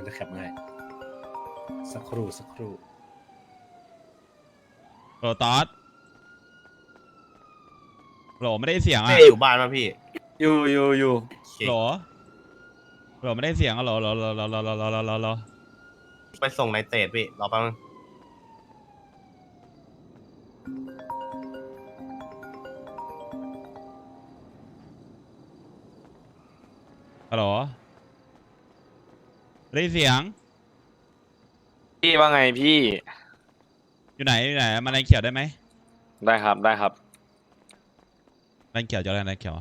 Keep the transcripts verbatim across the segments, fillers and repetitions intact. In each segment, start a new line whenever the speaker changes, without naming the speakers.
จะแคปมาให้สักครู่สักครู่
โหลตอสโหลไม่ได้เสียงอ่ะ
ไม่อยู่บ้านป่ะพี่
อยู่อยู่อยู่
โหลโหลไม่ได้เสียงอ่ะโหลโหลโหลโหลโหลโหลโหลโหลโหลโหล
ไปส่งในเตดพี่รอแป๊บนึง
ฮัลโหลได้เสียง
พี่ว่าไงพี่
อยู่ไหนอยู่ไหนมาแรงเขียวได้ไหม
ได้ครับได้ครับ
แรงเขียวจะอะไรแรงเขียว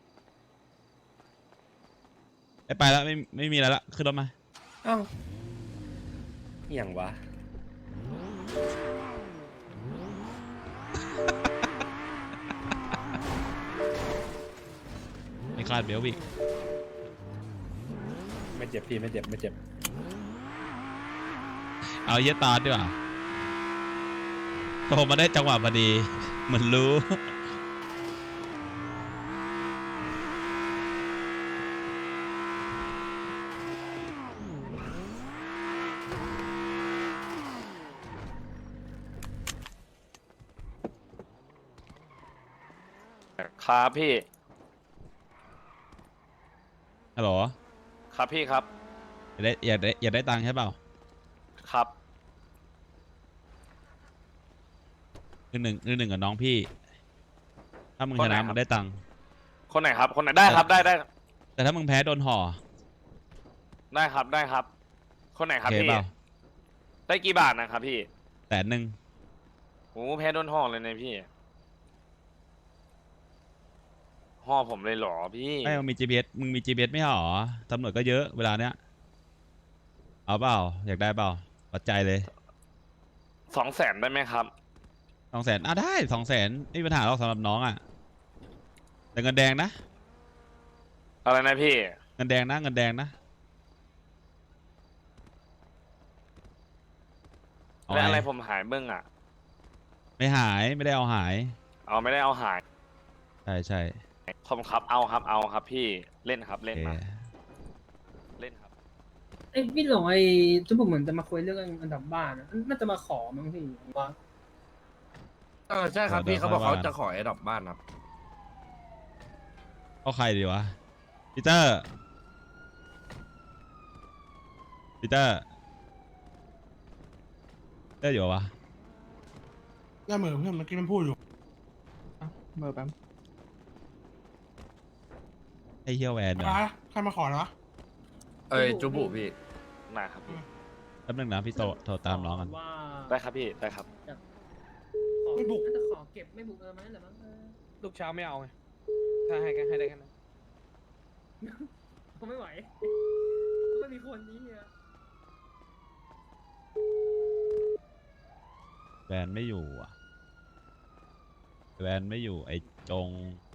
ไอ้ไปแล้วไม่ไม่มีอะไรละขึ้นรถมา
อ้าวอย่างวะ
ไม่คาดเบลวิก
ไม่เจ็บพี่ไม่เจ็บไม่เจ็บ
เอาเยตาดีกว่าโทรมาได้จังหวะพอดีเหมือนรู้
ครับพี่
ฮัลโหล
ครับพี่ครับ
อยากได้อยากได้อยากได้ตังค์ใช่เปล่า
ครับ
คือหนึ่งคือหนึ่งกับน้องพี่ ถ้ามึงชนะมึงได้ตังค์
คนไหนครับ คนไหนได้ครับได้ได้
แต่ถ้ามึงแพ้โดนห่อ
ได้ครับได้ครับ คนไหน
โอ
ครับ
เค
พี่
เปล่า
ได้กี่บาทนะครับพี่
แสนหนึ่ง
โอ้แพ้โดนห่อเลยนะพี่ห่อผมเลยเหรอพี่
ไม่มึงมี จี พี เอส มึงมี จี พี เอส ไม่ห่อตำรวจก็เยอะเวลาเนี้ยเอาเปล่าอยากได้เปล่าปัจจัยเลย
สองแสนได้ไหมครับ
สองแสนอ่ะได้สองแสนไม่มีปัญหาหรอกสำหรับน้องอ่ะแต่เงินแดงนะ
อะไรนะพี่
เงินแดงนะเงินแดงนะเอา
แล้ว
ไง
อะไรผมหายเบื้องอ่ะ
ไม่หายไม่ได้เอาหาย
เอาไม่ได้เอาหาย
ใช่ใช่
ผมครับเอาครับเอาครับพี่เล่นครับ
โอ
เล่น
เค
มาเล่นครับ
ไอ้พี่หลงไอ้จุ๊บเหมือนจะมาคุยเรื่องอันดับบ้านอะน่าจะมาขอมั้งพี่ผมว่า
เออใช่ครับพี่เขาบอกเขาจะขอไอ้ดอกบ้านครับ
เอาใครดีวะปีเตอร์ปีเตอร์เตอร์อยู่วะ
ได้เหมือนเพื่อนเมื่อกี้มันพูดอยู่
เมื่อแป๊บ
ไอ้เฮียแวนเหรอ
ใครใครมาขอเหรอ
เอ้ยจูบุพี่
มาครับพี่
แป๊บนึงนะพี่โตโทรตามน้องกัน
ว่า
ได้ครับพี่ได้ครับ
ไม่บุกน่าจะขอเก็บไม่บุกเออมันนั่นแหละมั้งเออ
ลูกเช้าไม่เอาไง ถ้าให้กันให้ได้กันนะ
ผมไม่ไหวไม่มีคนนี้อะ
แวนไม่อยู่อ่ะแวนไม่อยู่ไอ้จง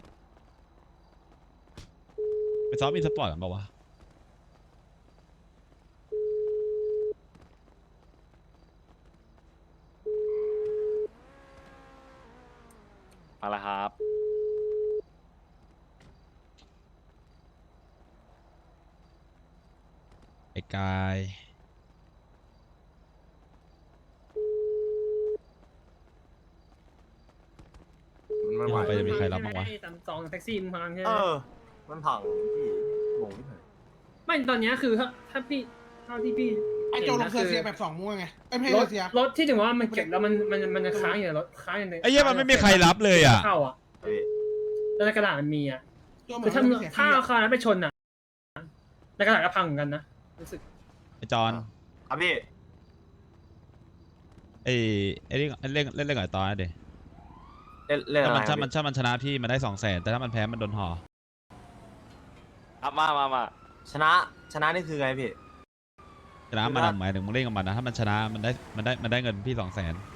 ไปซ้อมอินสปอร์ตกันเปล่าวะ
มาแล้วครับ
ไอ้กาย
มันไม่ไหว
ไปจะมีใครรับบ้างวะ
ไอ้ตามซองแท็กซี่มึงพังใช่ไห
เอ
ม
อ มันพังพี่งงที่ไหน
ไม่ตอนเนี้ยคือถ้าถ้าพี่เท่าที่พี่
ไอ้โจลงเสือเสียแบบสองม้วนไงไอ้ไม่
ร
ใช่
ถ
เสีย
รถที่ถึงว่ามันเก็บแล้วมันมันมันจะค้างอยู่ในรถค้างอยู่ใน
ไอ้เหี้ยมันไม่มีใครรับเลยอ่ะ
เข้าอ่ะ
พี่
แล้วในกระดาษมันมีอ่ะ
โจเหมื
คือ อน ถ้า
มันเสีย
ถ้า
ฟรี
เอา
อะ
คาร์นั้นไปชนอ่ะในกระดาษก็พังเหมือนกันนะรู้สึก
ไอ้จอน
ครับพี่
ไอ้ไอ้เล่นเล่นเล่นเล่นกับไอ้ตอนนะเดี๋ยว
เล่นเล่น
ถ้า
อะไร
มัน
ครั
ถ้า
บ
มันถ้ามันชนะพี่มันได้สองแสนแต่ถ้ามันแพ้มันโดนห่อ
ครับมามามา
ชนะชนะนี่คือไงพี่
ชนะมันอะหมายถึงมึงเล่นกับมันนะถ้ามันชนะมันได้มันได้มันได้เงินพี่สองแสน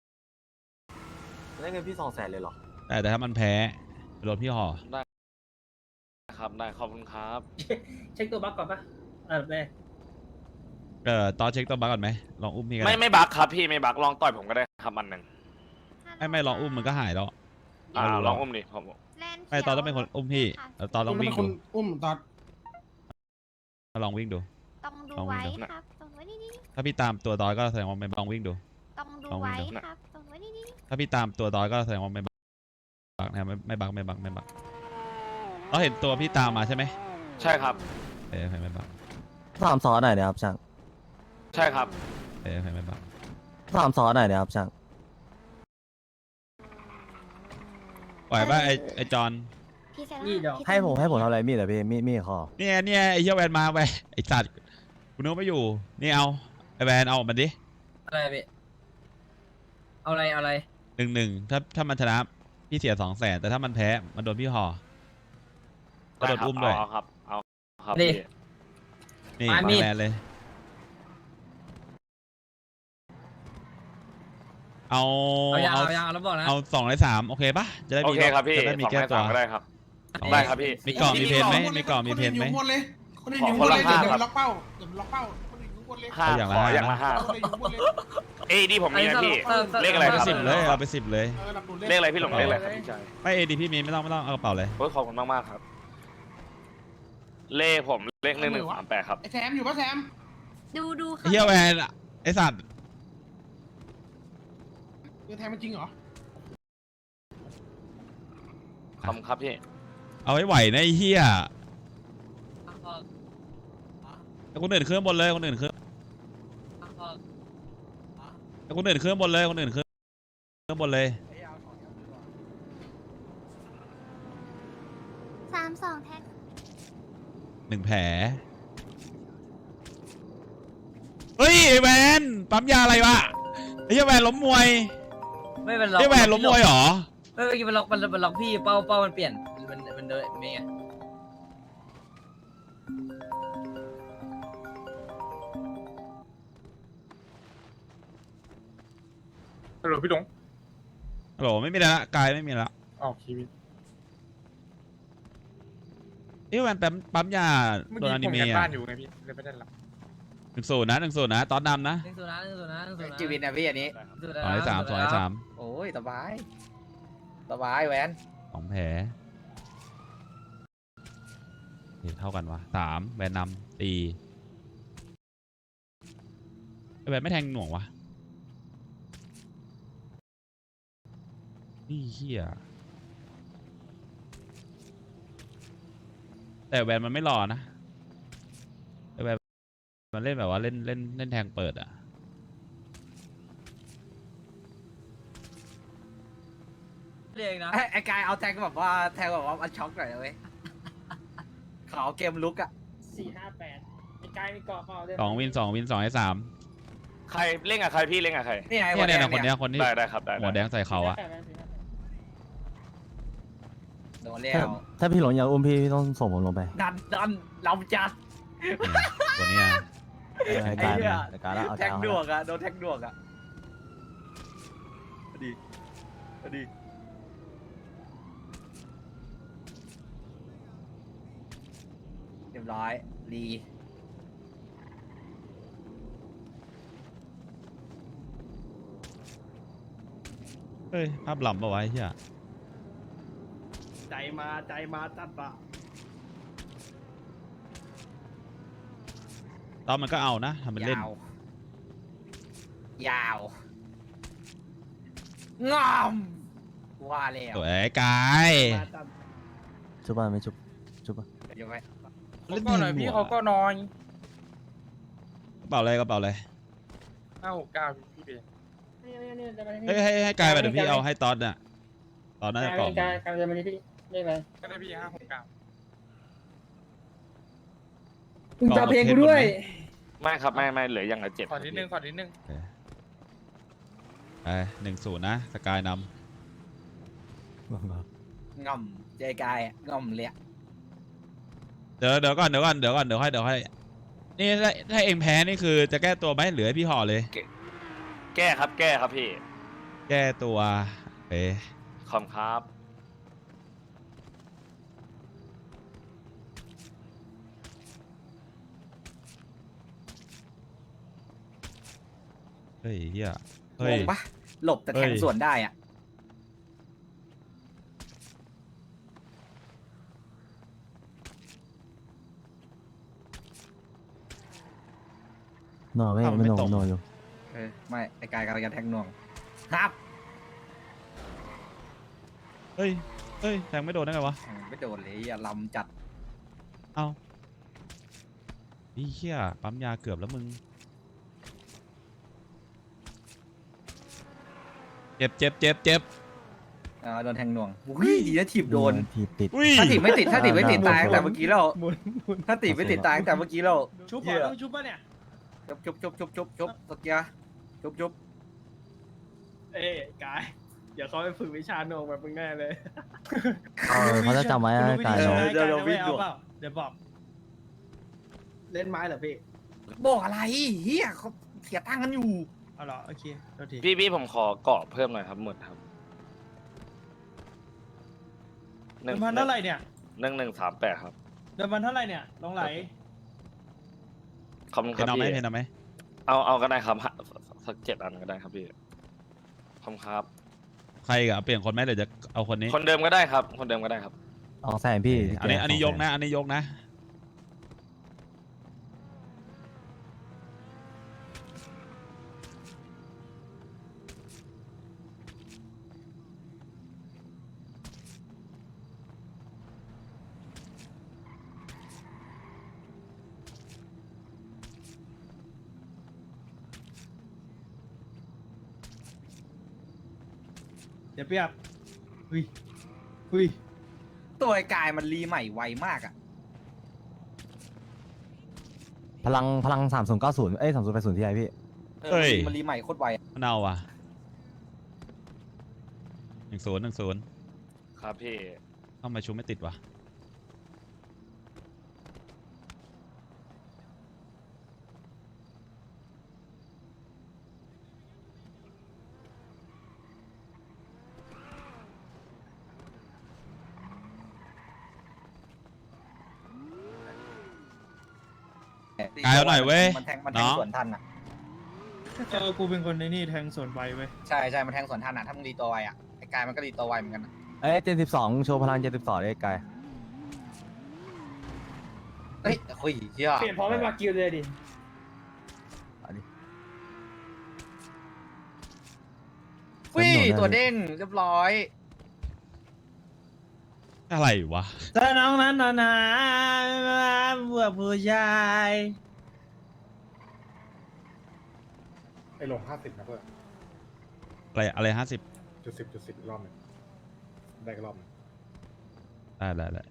ได้เงินพี่สองแสนเลยเหรอ
แต่แต่ถ้ามันแพ้โดนพี่ห่อ
ครับได้ขอบคุณครับ
เช็คตัวบั๊กก่อนปะอันดับแรก
เออตอนเช็คตัวบัคก่อนไหมลองอุ้มพี่กัน
ไม่ไม่บักครับพี่ไม่บักลองต่อยผมก็ได้ครับอันหนึ่ง
ไม่ไม่ลองอุ้มมันก็หายแล้ว
อ่า
เอาดู
ลองอุ้มดิผม
ไม่ตอนต้องเป็นคนอุ้มพี่แล้วตอนลอง
มัน
วิ่
เป็
ง
นค
ดู
นอุ้มตอน
ลองวิ่งดู
ต้องดู
ลองวิ่ง
ไว้
ดู
ครับต้องไว้นี่นี่
ถ้าพี่ตามตัวดอยก็แสดงว่าไม่ลองวิ่งดู
ต้องดู
ลองวิ่
ไว้
งดู
ครับต้องไว้นี่นี่
ถ้าพี่ตามตัวดอยก็แสดงว่าไม่บักนะครับไม่ไม่บักไม่บักไม่บักเราเห็นตัวพี่ตามมาใช่ไหม
ใช่ครับ
เออไม่บัก
สามซอสหน่อยนะครับช่าง
ใช่ครับ
เออไม่บัก
สามซอสหน่อยนะครับช่าง
ปล่อยป่ะไอไอจอน
พี่เซ
นี่เดี๋ยว
พี่
ให้ผมให้ผมทำอะไรมีดเหรอพี่มีดมีดคอ
เนี่ยเนี่ยไอเหี้ยแวนมาไปไอสัตว์กูนึกว่าไม่อยู่นี่เอาไอแวนเอาออกมาดิ
อะไรพี่เอาอะไรเอาอะไร
หนึ่งหนึ่งถ้าถ้ามันชนะพี่เสียสองแสนแต่ถ้ามันแพ้มันโดนพี่ห่อก็โดนอุ้มด้วย
เอาครับ เอาครับ
นี่
พี่
นี่
มา
มา
มีด
แวนเลย เอา
เอายาง
เอา
เอายางเอาแล้วบอกนะ
เอาสองในสามโอเคปะจะได้
โอ
มี
เคครับพี่
จะได้มี
สอง
แก้
ให้
ตั
สาว มก็ได้ครับ
นี่
ได้ครับพี่
มีกล่องมีเพนไหมมีกล่องมีเพนไหม
คนอื่นอยู่ข้างบนเลยคนอื่น
ขอ
อยู่
คน
ข้างบน
ละ
เลย
ห้า
เดี๋ยว
ครับ
ล็อกเป้าเดี๋ยวล็อกเป้าคนอื่นอยู่ข้างบนเลย
ห้า
เอาอย่าง
ข
ละ
อ
ห้า
อย่างละห้า
คนอื่นอยู่ข้างบนเลย
เอ้ยดีผมมีนะพี่
เออ
เลขอะไร
เอา
ค
ไป
รับ
สิบเลยเอาไปสิบเลย
เออหลับดู
เลขอะไรพี่หลงเลขอะไรครับพี่ชาย
ไม่เอดีพี่มีไม่ต้องไม่ต้องเอากระเป๋าเลย
โอ้ยขอบคุณมากมากๆครับ เลขผมเลขหนึ่งหนึ่งสามแปดครับ
ไอ้แซมอยู่ปะแซม
ดูดูค
ไอ้
รับ
เฮียแวนอะไอสัตว์
เออแทงมันจริงเหรอ
ขอบคุณครับพี่
เอาไว้ไหวนะไอ้เฮียแต่คนอื่นเครื่องบนเลยคนอื่นเครื่องแต่คนอื่นเครื่องบนเลยคนอื่นเครื่องเครื่องบนเลย
สามสองแท็ก
หนึ่งแผลเฮ้ยไอ้แวนปั๊มยาอะไรวะไอ้เหี้ยแวนล้มมวย
ไม่เป็นล็อก
ไอ้แวนล้มมวยเหรอ
ไม่เมื่อกี้มันล็อกมันมันล็อกพี่เป้าเป้ามันเปลี่ยนมันมันเดินเมย์ไง
ฮัลโหลพี่หลง
ฮัลโหลไม่มีแล้วละกายไม่มีแล้ว
อ๋อชีวิต
ไอ้แวนปั๊มปั๊มยา
เมื่อ
โดน
กี้
อนิ
ผม
เมะ
กัน
อะ
บ้านอยู่ไงพี่เลยไม่ได้รับ
หนึ่งศูนย์นะหนึ่งศูนย์นะตอนนำนะ
หนึ่งศูนย์นะหนึ่งศูนย์นะหนึ่งศูนย์นะ
จีวินนะพี่อันนี้
หนึ่งศูนย์
สองในสามสองในสาม
โอ้ยสบาย สบายแหวน
สองแผลเฮ้ยเท่ากันวะสามแวนนำตีไอ้แวนไม่แทงหน่วงวะนี่เฮียแต่แวนมันไม่รอนะไอ้แวนมันเล่นแบบว่าเล่นเล่นเล่นแทงเปิดอะ
เรียกนะ
ไอ้ไอ้กายเอาแทงแบบว่าแทงแบบว่ามันช็อกหน่อยนะเว้ยขาวเกมลุกอะ
สี่ห้าแปดไอ้กายมีเกาะเปล่าด้วย
สองวินสองวินสองให้สาม
ใครเล่นกับใครพี่เล่นกับใคร
นี่ไง
เนี่ยเนี่ย
หั
นะ
ว
คน
แดง
เนี้ยคนที่
ได้ได้ครับได้
หัวแด
ได้
งใส่เขาอะ
โดนแล้
ถ้าว ถ้าพี่หลงอยากอุ้มพี่พี่ต้องส่งผมลงไป
ดันดันเราจัด
ตัวเนี้ย
ไอ้การเนี่ยไอ้การแล้วเอา
แท
แท
ง
ง
ดวกอะโดนแทงดวกอะดีดีเรียบร้อยดี
เฮ้ยภาพหล่ำปะวะไอ้เหี้ย
ใจมาใจมาจัดปะ
ตอนมันก็เอานะทำเป็นเล่น
ยาว ยาว งอมว่าแล้ว
ตัวไอ้กาย
ชุบป่ะไม่ชุบชุบป่ะ
เดี๋ยวไว้
เล่นแทงหน่วงอะ
อย
กระเป๋าอะไรกระเป๋าอะไร
ห้าหกเก้าพี่เบย์
เฮ้ยให้ให้กายไปเดี๋ยวพี่เอาให้ตอนน่ะตอนน่าจะกล่อง
กายกายจะมาที่พี่เรียกอะไร
ก็ได้พี่ห้าหกเก้า
มึงจะเพลงกูด้วย
ไม่ครับไม่ไม่เหลืออย่างละเจ็ด
ขอนิดนึงขอนิดนึง
ไปหนึ่งศูนย์นะสกายน
งอมเจกายอะงอมเลยอะ
ำเดี๋ยวเดี๋ยวก่อนเดี๋ยวก่อนเดี๋ยวก่อนเดี๋ยวให้เดี๋ยวให้นี่ถ้าถ้าเองแพ้นี่คือจะแก้ตัวไหมหรือให้พี่ห่อเลย
แก้ครับแก้ครับพี่
แก้ตัวเอ๊ะ
ขอบคุณครับ
เฮ้ยเฮีย
ง
เฮ้ย
งปะหลบแต่แทง
เฮ้ย
สวนได้อะ
หน่อไม่
อ้าวมัน
ไม่
ไม่
หน่อ
ตรง
หน่ออยู่
เออไม่ไอ้กายกำลังจะแทงหน่วงครับ
เฮ้ยเฮ้ยแทงไม่โดนได้ไงวะ
ไม่โดนเลยอย่าลำจัด
เอ้านี่เหี้ยปั๊มยาเกือบแล้วมึงเจ็บเจ็บเจ็บเจ็บ
อ่าโดนแทงหน่วงอุ้ยดีนะถีบโดน
ทีบติด
อุ้ย
ถ้าถีบไม่ติดถ้าถีบไม่ติด
หมุน
ตายตั้งแต่เมื่อกี้แล้ว
หมุนหมุน
ถ้าถีบไม่ติดตายตั้งแต่เมื่อกี้แล้ว
ชุบ
เหี้
ป่ะ
ย
ต้องชุบป่ะเนี่ย
จุบจุบจุบจุบจุบจุบตะเกียร์จุบจุบ
เอ้ยกายเดี๋ยวเขาไปฝึกวิชาโหนงแบบมึงแน่เลย
เออเขาจะจำไว้นะกาย
เดี๋
เนาะ
ยวเดี๋ยววิ่งเปล่าเดี๋ยวบอก เล่นไม้เหรอพี่
บอกอะไรเฮียเขาเสียตังค์กันอยู่
เอาเหรอโอเคโทษที
พี่พี่ผมขอเกาะเพิ่มหน่อยครับหมดครับห
เดิ
นึ่ง
มพันเท่าไหร่เนี่ย
หนึ่งหนึ่งสามแปดครับ
เดิมพันเท่าไหร่เนี่ยลงไหล
ขอบคุณ
เพ
ครับ
นเอาไหม
พี่
เพนเอาไหม
เอาเอาก็ได้ครับฮะสักเจ็ดอันก็ได้ครับพี่ขอบคุณครับ
ใครกับเปลี่ยนคนไหมหรือจะเอาคนนี้
คนเดิมก็ได้ครับ คนเดิมก็ได้ครับ
สองแสนพี่
อันนี้อันนี้ยกนะ อันนี้ยกนะ
เดี๋ยวเปียบหุยหุย
ตัวไอ้กายมันรีใหม่ไวมากอ่ะ
พลังพลังสามศูนย์เก้าศูนย์เอ้ยสามศูนย์แปดศูนย์ที่ไหนพี่
เออ
เฮ้ย
มันรีใหม่โคตรไวอะ
มันเอาอ่ะหนึ่งศูนย์หนึ่งศูนย์
ครับพี่
ทำไมชูไม่ติดวะ กายเอาหน่อยเว้ย
มันแทงมันแทง
น้อง
สวนทันอ่ะ
เจอกูเป็นคนในนี่แทงสวนไปเว้ย
ใช่ใช่มันแทงสวนทันอ่ะถ้ามึงรีตัวไวอ่ะไอ้กายมันก็รีตัวไวเหมือนกันอะ
เอ้ยเจ็ดสิบสองโชว์พลังเจ็ดสิบสองเลยกาย
เฮ้ยเฮ้ยเชี่ย
เปลี่ยนพร้อมไม่มากิวเลยดิ
เอาดิ
อุ้ยตัวเด้งเรียบร้อย
อะไรวะ
ถ้าน้องนั้นนานาเบื่อผู้ชาย
ไอ้ลงห้าสิบนะเพื่อน
อะไรอะไรห้าสิบ
จุดสิบจุดสิบรอบหนึ่งได้ก็รอบหนึ่ง
ได้ได้ได้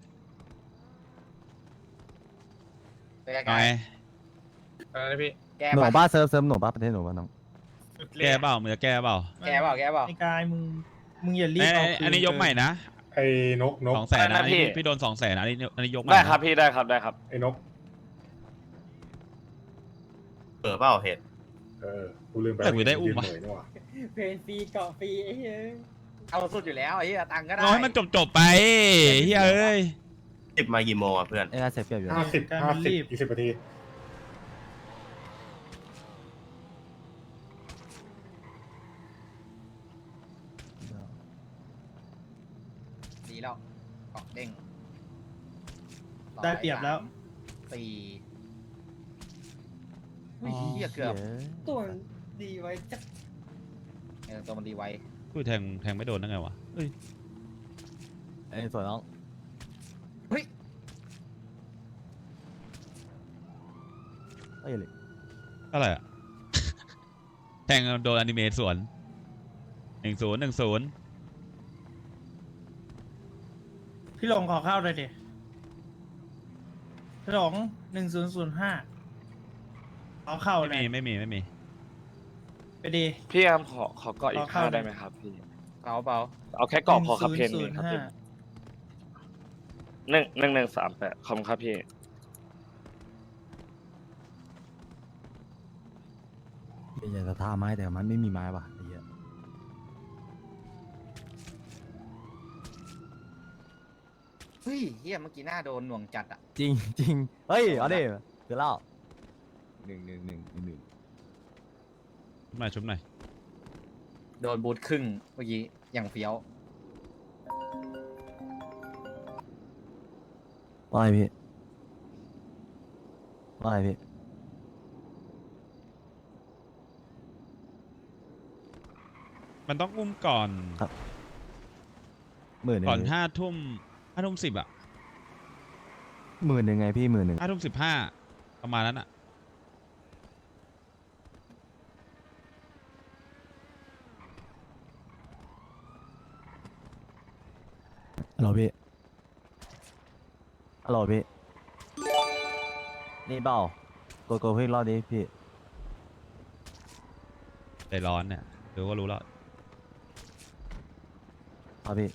เป็นไง
ไง
กาย
อะไรนะพี่
แก้
หนู
ปะ
บ้าเซิร์ฟเซิร์ฟหนูบ้าประเทศหนูบ้าน้อง
แก้เปล่ามึงจะแก้เปล่า
แก้เปล่าแก้เปล่า
ไอ้กายมึงมึงอย่ารีบ
เอ้ย
เอา
อันนี้ยกใหม่นะ
ไอ้นกนก
สองแสนนะ
ได้
อั
นะ
น
พี่
นี้พี่โดนสองแสนนะอันนี้อันนี้ยกใหม่
ได้
นะครับ
พี่ได้ครับได้ครับ
ไอ้นก
เปิดเปล่าเหตุ
เออกูลืมไป
แต่กูได้อุ้มวะ
ยืนเหนื่อยนี่หว่า
เพนฟรีเกาะฟรีไอ้เฮ้ย
เอาสุดอยู่แล้วไอ้เหี้ยตังค์ก็ได้
เอาให้มันจบจบๆไปเฮ้ยเอ้ย
สิบมากี่โมงอ่ะเพื่อน
เอ้ยน่าเสียเปรียบอยู่
ห้าสิบห้าสิบอีกสิบนาที
ดีแล้วเกาะเด้ง
ได้เปรียบแล้ว
สี่เฮ้ยเหี้ยเกือบ
ตัวดีไว้จัก
เออตัวมันดีไว
กูแทงแทงไม่โดนได้ไงวะเอ้ย
เอ้ยสวยน้อง
เฮ้ย
เอ้ยเลย
อะไรอะ แทงโดนอนิเมะสวนหนึ่งศูนย์หนึ่งศูนย์
พี่หลงขอเข้าเลยดิพี่หลงหนึ่งศูนย์ศูนย์ห้าขอเข้า
ไม่
เล
มี
ย
ไม่มีไม่มี
ไปดี
พี่ครับขอขอเกาะอี
ข
ก
อเข้า
ห้าได้ไหมครับพี่
เอาเปล่า
เอาแค่เกาะพอครับเพน
ห
ห
นึ่
นึ่
ง
งครับ
ศูนย์ศูนย์ห้า
หนึ่งหนึ่งหนึ่งสามแปดขอบคุณครับพี่
อยากจะท่าไม้แต่มันไม่มีไม้ว่ะไอ้เหี้ย
เฮ้ยเฮียเมื่อกี้หน้าโดนหน่วงจัดอ่ะ
จริงจริงเฮ้ยเอาดิคือเล่าหนึ่งหนึ่งหนึ่งหนึ่ง
ชุบหน่อยชุบหน่อย
โดนบูทครึ่งเมื่อกี้อย่างเฟี้ยว
ว่าไงพี่ว่าไงพี่
มันต้องอุ้มก่อน
หมื่นหนึ่ง
ก่อนห้าทุ่มห้าทุ่มสิบอะ
หมื่นหนึ่งไงพี่หมื่นหนึ่ง
ห้าทุ่มสิบห้าประมาณนั้นอะ
ฮัลโหลพี่ฮัลโหลพี่นี่เปล่าโกโก้เพิ่งรอบนี้พี่
ใจร้อนเนี่ยดูก็รู้แล้ว
ครับพี่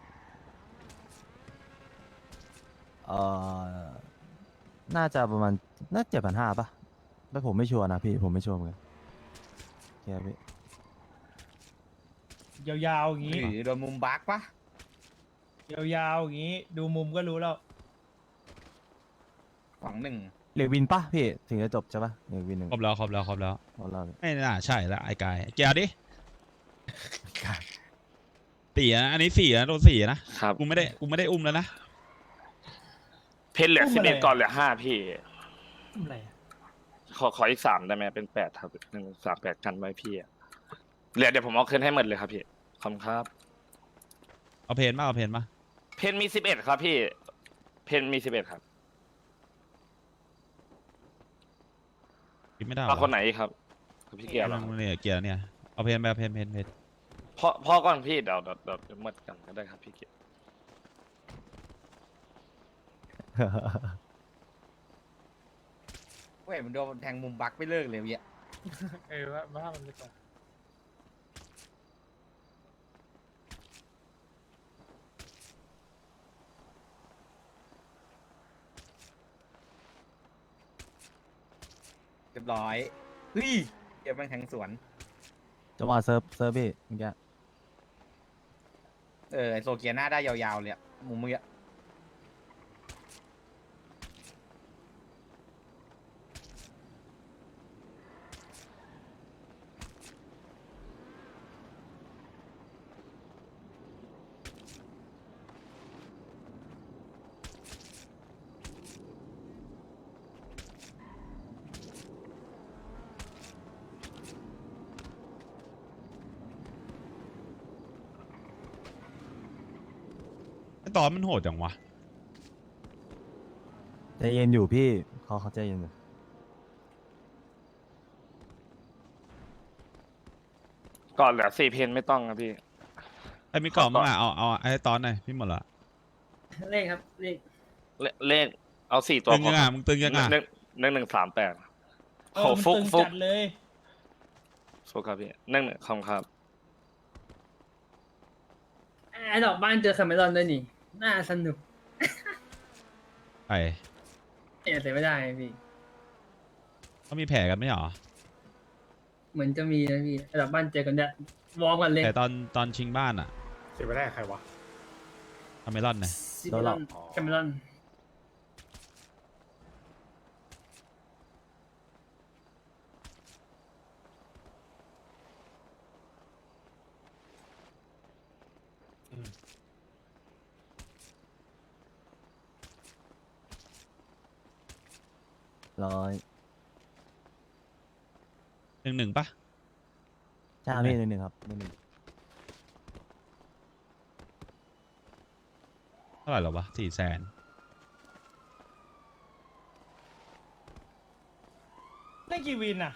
เอ่อน่าจะประมาณน่าเจ็ดพันห้าป่ะแต่ผมไม่ชัวร์นะพี่ผมไม่ชัวร์เหมือนกันโอเคครับพี่
ยาวๆอย่าง
ห
นี้
รือโดนมุมบักปะ
ยาวๆอย่างนี้ ดูมุมก็รู้แล้ว
สองหนึ่ง
เหลือวินป่ะพี่ถึงจะจบใช่ป่ะเหลือวินหนึ่ง
ครบแล้วครบแล้วครบแล้ว
เอาเราพี่
ไม่น่าใช่ละไอ้กายเกียร์ดิสี่นะอันนี้สี่นะโดนสี่นะครับ กูไม่ได้กูไม่ได้อุ้มแล้วนะ
เพชรเหลือ
อุ้ม
สิบ
อะไร
เอ็ด
อะ
ก่อนเหลือห้าพี่
อะไรอะ
ขอขออีกสามได้ไหมเป็นแปดครับหนึ่งสามแปดกันไว้พี่อะเหลือเดี๋ยวผมเอาคืนให้หมดเลยครับพี่ขอบคุณครับ
เอาเพนมาเอาเพนมา
เพนมีสิบเอ็ดครับพี่ เพนมีสิบเอ็ดครับ
คิดไม่ได้หร
เอา
อ
คนไหนอีกครับครับพี่เกียร์เหรอ
เนี่ยเกียร์เนี่ยเอาเพนไปเอาเพนเพนเพน
พ่อพ่อก่อนพี่เดี๋ยวเดี๋ยวเดี๋ยวเดี๋ยวหมดกันก็ได้ครับพี่เกียร์
เว้ยมันโดนแทงมุมบักไม่เลิกเลยเยอะ
เออว่าว่ามันไม่ตรง
เรียบร้อยเฮ้ยเดี๋ยวมันแทงสวน
จังหวะเซิร์ฟเซิร์ฟพี่เมื่อกี้
เออไอโซเกียหน้าได้ยาวๆเลยอะมุมเมื่อกี้
ไอ้ตอนมันโหดจังวะ
ใจเย็นอยู่พี่เขาเขาใจเย็นอยู่
ก่อนเหลือสี่เพนไม่ต้องครับพี่
ไอ้มีกล่องมาเอาเอาไอ้ตอนหน่อยพี่หมดละ
เลขครับเลข
เลเลขเอาสี่ตัว
ตึง
พอ
ยัง
ค
อ่ะ
รับ
มึงตึงยังอ่ะ
หนึ่งหนึ่งหนึ่งสามแปด
เอ
โห
อมัน
ฟุก
ตึง
ฟุก
จัดเลย
ฟุกครับพี่หนึ่งหนึ่งคำครับ
ไอ้ดอกบ้านเจอคาเมรอนด้วยนี่ น่าสนุก
ไอ้
เอะแต่ไม่ได้พี่
เขามีแผลกันไหมหรอ
เหมือนจะมีนะพี่ไอ้ดอกบ้านเจอกันเนี่ยวอร์มกันเลย
แต่ตอนตอนชิงบ้านอ่ะ
เสียไปได้ใครวะ
ทำเมลอนไง
ซิเมรอนคาเมรอน
ร้อย
หนึ่งหนึ่งปะ
ใช่ครับพี่หนึ่งหนึ่งครับหนึ่งหนึ่ง
เท่าไหร่หรอวะสี่แสน
ได้กี่วินอ่ะ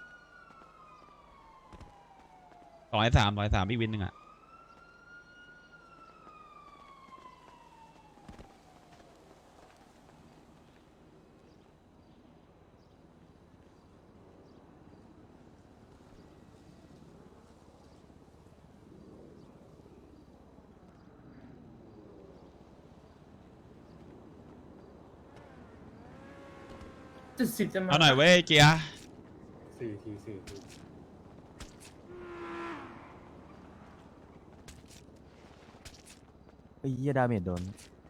ร้อยสามร้อยสามพี่วินหนึ่งอ่ะ
จุดสิบจะมา
เอาหน่อยเว้ยเกียร์
สี่ทีสี่ที
เอ้ยเหี้ยดาเมจโดน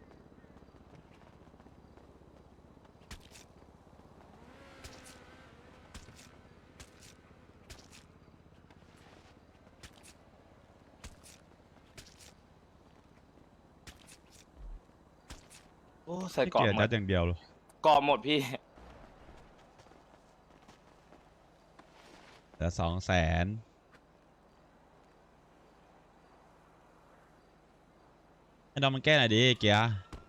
โอ้ใส่
พี่
กรอบ
เกียร์
หม
จั
ด
ดอย่างเดียวเลย
กรอบหมดพี่
แต่สองแสนให้ดอมมันแก้หน่อยดิเกียร์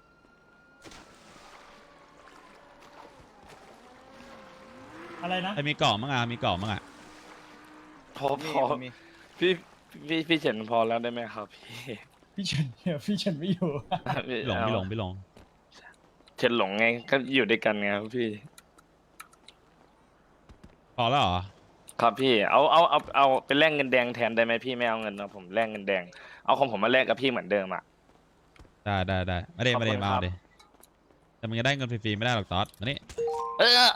อะไรนะ
ไอ้มีกล่องมั้งอ่ะมีกล่องมั้งอ่ะ
พอพอพี่พี่พี่เฉินพอแล้วได้ไหมครับพี่
พี่เฉินเนี่ยพี่เฉินไม่อยู่
พี่
พี่หลงพี่หลงพี่หลง
เฉินหลงไงก็อยู่ด้วยกันไงครับพี่
พอแล้วเหรอ
ครับพี่เอาเอาเอาเอาไปแลกเงินแดงแทนได้ไหมพี่ไม่เอาเงินนะผมแลกเงินแดงเอาของผมมาแลกกับพี่เหมือนเดิมอ่ะ
ได้ได้ได้ไม่ได้
ขอบ
ไม่
คุ
ได้
ณ
มา
ครับ
เอาดิแต่มันจะได้เงินฟรีๆไม่ได้หรอกตอสมานี่
เออ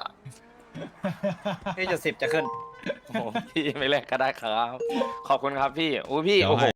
พี่จุดสิบจะขึ้น
โอ้โหพี่ไม่แลกก็ได้ครับ ขอบคุณครับพี่อู้พี่
เดี๋ยว
โอ้โห
ให้